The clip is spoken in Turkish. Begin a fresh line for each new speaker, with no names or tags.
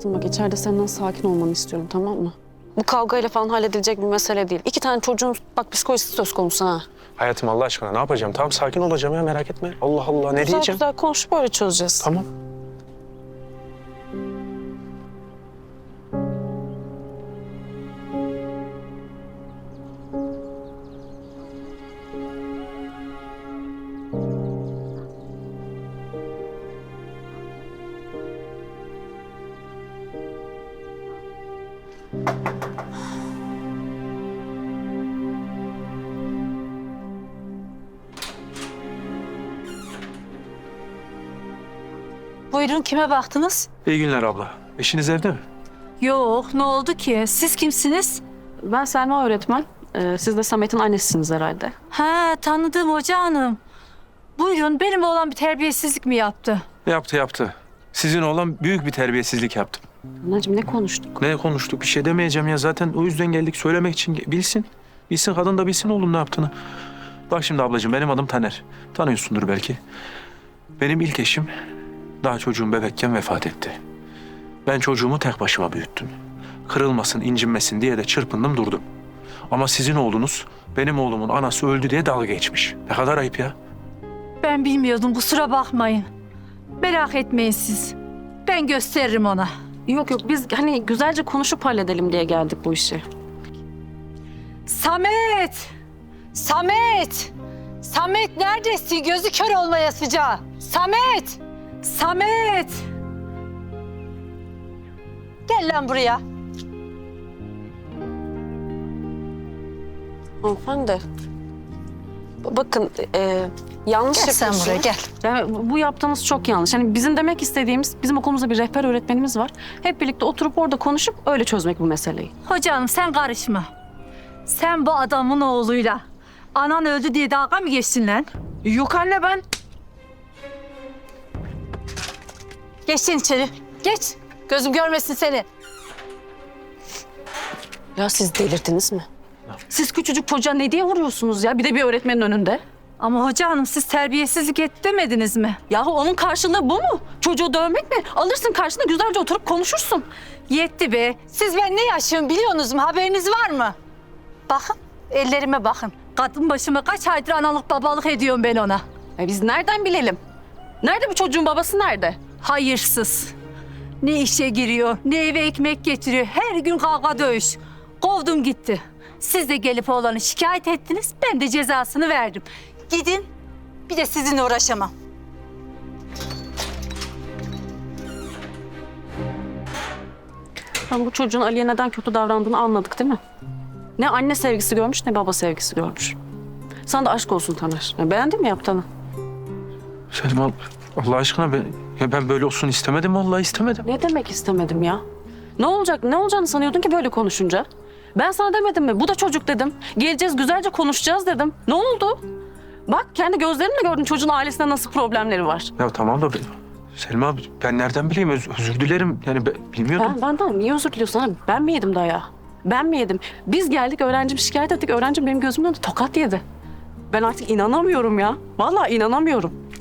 Hayatım bak içeride senden sakin olmanı istiyorum, tamam mı? Bu kavgayla falan halledilecek bir mesele değil. 2 tane çocuğun bak psikolojisi söz konusu ha.
Hayatım Allah aşkına ne yapacağım? Tamam sakin olacağım ya merak etme. Allah Allah ne
Güzel
diyeceğim?
güzel konuşup böyle çözeceğiz.
Tamam.
Buyurun, kime baktınız?
İyi günler abla. Eşiniz evde mi?
Yok, ne oldu ki? Siz kimsiniz?
Ben Selma öğretmen. Siz de Samet'in annesisiniz herhalde.
Ha, tanıdığım hoca hanım. Buyurun, benim oğlan bir terbiyesizlik mi yaptı?
Yaptı. Sizin oğlan büyük bir terbiyesizlik yaptım.
Anacığım ne konuştuk?
Ne konuştuk? Bir şey demeyeceğim ya. Zaten o yüzden geldik söylemek için. Bilsin. Bilsin kadın da bilsin oğlum ne yaptığını. Bak şimdi ablacığım benim adım Taner. Tanıyorsundur belki. Benim ilk eşim daha çocuğum bebekken vefat etti. Ben çocuğumu tek başıma büyüttüm. Kırılmasın, incinmesin diye de çırpındım durdum. Ama sizin oğlunuz benim oğlumun anası öldü diye dalga geçmiş. Ne kadar ayıp ya.
Ben bilmiyordum, kusura bakmayın. Merak etmeyin siz. Ben gösteririm ona.
Yok biz hani güzelce konuşup halledelim diye geldik bu işi.
Samet! Samet! Samet neredesin? Gözü kör olmaya sıcağı. Samet! Samet! Gel lan buraya.
Hanımefendi. Bakın yanlış
Gel sen
yapıyorsunuz.
buraya, gel.
Yani bu yaptığınız çok yanlış. Hani bizim demek istediğimiz, bizim okulumuzda bir rehber öğretmenimiz var. Hep birlikte oturup orada konuşup öyle çözmek bu meseleyi.
Hocam sen karışma. Sen bu adamın oğluyla anan öldü diye dalga mı geçtin lan?
Yok anne ben.
Geç sen içeri. Geç. Gözüm görmesin seni.
Ya siz delirdiniz mi? Siz küçücük çocuğa ne diye vuruyorsunuz ya? Bir de bir öğretmenin önünde.
Ama hoca hanım siz terbiyesizlik et demediniz mi?
Yahu onun karşılığı bu mu? Çocuğu dövmek mi? Alırsın karşına güzelce oturup konuşursun.
Yetti be. Siz ben ne yaşıyorum biliyorsunuz mu? Haberiniz var mı? Bakın ellerime bakın. Kadın başıma kaç aydır analık babalık ediyorum ben ona.
Biz nereden bilelim? Nerede bu çocuğun babası nerede?
Hayırsız. Ne işe giriyor, ne eve ekmek getiriyor. Her gün kavga dövüş. Kovdum gitti. Siz de gelip oğlanı şikayet ettiniz. Ben de cezasını verdim. Gidin. Bir de sizinle uğraşamam.
Bu çocuğun Ali'ye neden kötü davrandığını anladık değil mi? Ne anne sevgisi görmüş ne baba sevgisi görmüş. Sana da aşk olsun Taner. Beğendin mi yaptığını?
Selma Allah aşkına ben böyle olsun istemedim vallahi istemedim.
Ne demek istemedim ya? Ne olacak? Ne olacağını sanıyordun ki böyle konuşunca? Ben sana demedim mi? Bu da çocuk dedim. Geleceğiz güzelce konuşacağız dedim. Ne oldu? Bak kendi gözlerinle gördün çocuğun ailesinde nasıl problemleri var.
Ya tamam da Selma ben nereden bileyim özür dilerim yani bilmiyordum.
Benden niye özür diliyorsun? Ha? Ben mi yedim dayağı? Ben mi yedim? Biz geldik öğrencim şikayet ettik. Öğrencim benim gözümün önünde tokat yedi. Ben artık inanamıyorum ya. Vallahi inanamıyorum.